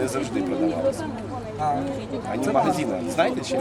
не завжди продавалися. А не магазина. Знаєте чи ні?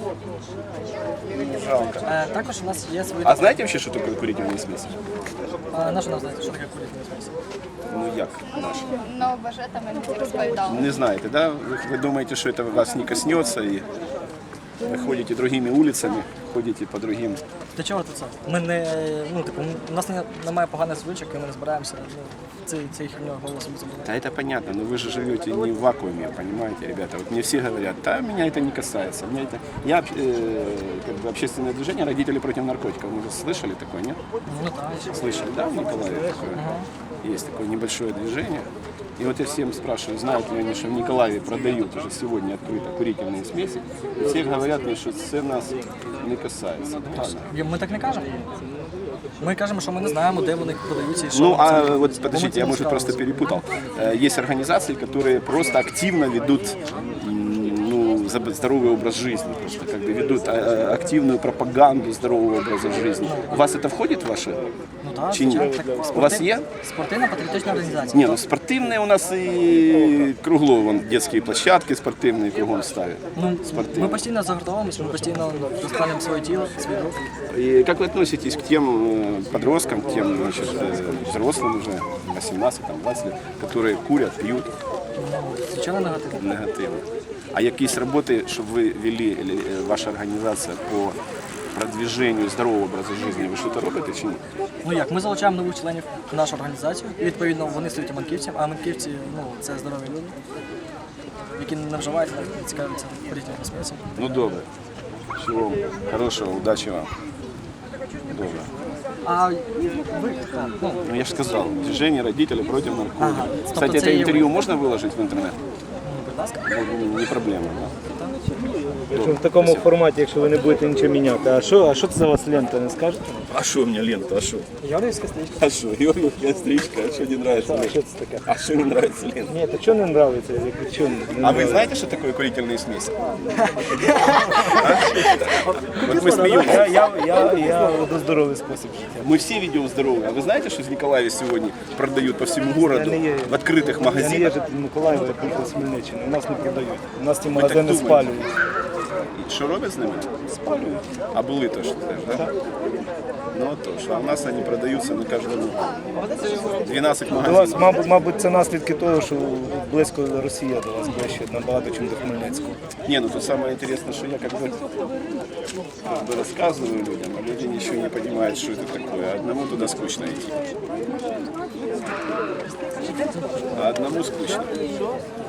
Жалко. Також у нас є свої... А знаєте вообще, що таке курительні смесі? Наша нам знаєте, що таке курительні сміси? Ну як наші? Ну, бажета мені не розповідали. Не знаєте, да? Ви думаєте, що це вас не коснеться і ви ходите другими вулицями, ходите по другим. Для чого це? Ми не, ну, типу, у нас немає поганих звичок, і ми не збираємося цей херню голосом забувати. Да это понятно, но вы же живете не в вакууме, понимаете, ребята. Вот мне все говорят, да, меня это не касается. Я как бы общественное движение «Родители против наркотиков». Вы же слышали такое, нет? Ну так. Слышали, да, в Николаеве такое? Есть такое небольшое движение. И вот я всем спрашиваю, знают ли они, что в Николаеве продают уже сегодня открыто курительные смеси. И все говорят мне, что это нас не касается. Ми так не кажемо. Ми кажемо, що ми не знаємо, де вони продаються і що. Ну, а це. вот подождите, я, может, просто перепутал. Есть организации, которые просто активно ведут здоровый образ жизни, просто как бы ведут активную пропаганду здорового образа жизни. У вас это входит в ваше? Ну так, Чи ні? звичайно. Так, У вас є? Спортивна-патріотична організація. Не, ну спортивные у нас и кругло, вон детские площадки спортивные кругом ставят. Ну, Спортивные. ми постійно загортовуємося, ми постійно розпалюємо своє тіло, свій рух. И как вы относитесь к тем подросткам, к тем значит, взрослым уже, 18-20 лет, которые курят, пьют? Звичайно, негативно. Негативно. А якісь роботи, щоб ви вели, ваша організація по продвиженню здорового образу життя, ви щось робите чи ні? Ну як, ми залучаємо нових членів в нашу організацію, і відповідно вони стають манківцями, а манківці, ну, це здорові люди, які не вживають, не цікавляться курительними смісами. Ну добре. Всього хорошого, удачі вам. Добре. А ви, ну, Ну я ж сказав, движение родителей против наркотиков. Ага. Кстати, Тобто це это є интервью можно выложить в интернет? будь ласка. Не проблема, да? В такому форматі, якщо ви не будете нічого міняти. А що це за вас лента, не скажете? А что у меня лента, а что? Георгіївська стрічка. А что, Георгиевская стричка, а что не нравится? А що це таке? А что не нравится лента? Ні, то чого не нравиться? Чого не А вы нравиться? знаете, что такое курительные смеси? Вот мы смеемся. Я веду здоровий спосіб життя. Мы все ведем здоровый. А вы знаете, что в Николаеве сегодня продают по всему городу в открытых Я не є магазинах? житель Миколаєва, я приїхав з Хмельниччини. У нас не продають. У нас ті так магазини думаєте? спалюють. И что роблять з ними? Спалюють. А були то, що теж, да? Ну то, що у нас вони продаються на кожному 12 До вас, магазинів. мабуть, це наслідки того, що близько Росія до вас ближче набагато, ніж до Хмельницького. Не, ну тут самое интересное, что я как бы рассказываю людям, а люди ничего не понимают, что это такое. А одному туда скучно идти. А одному скучно.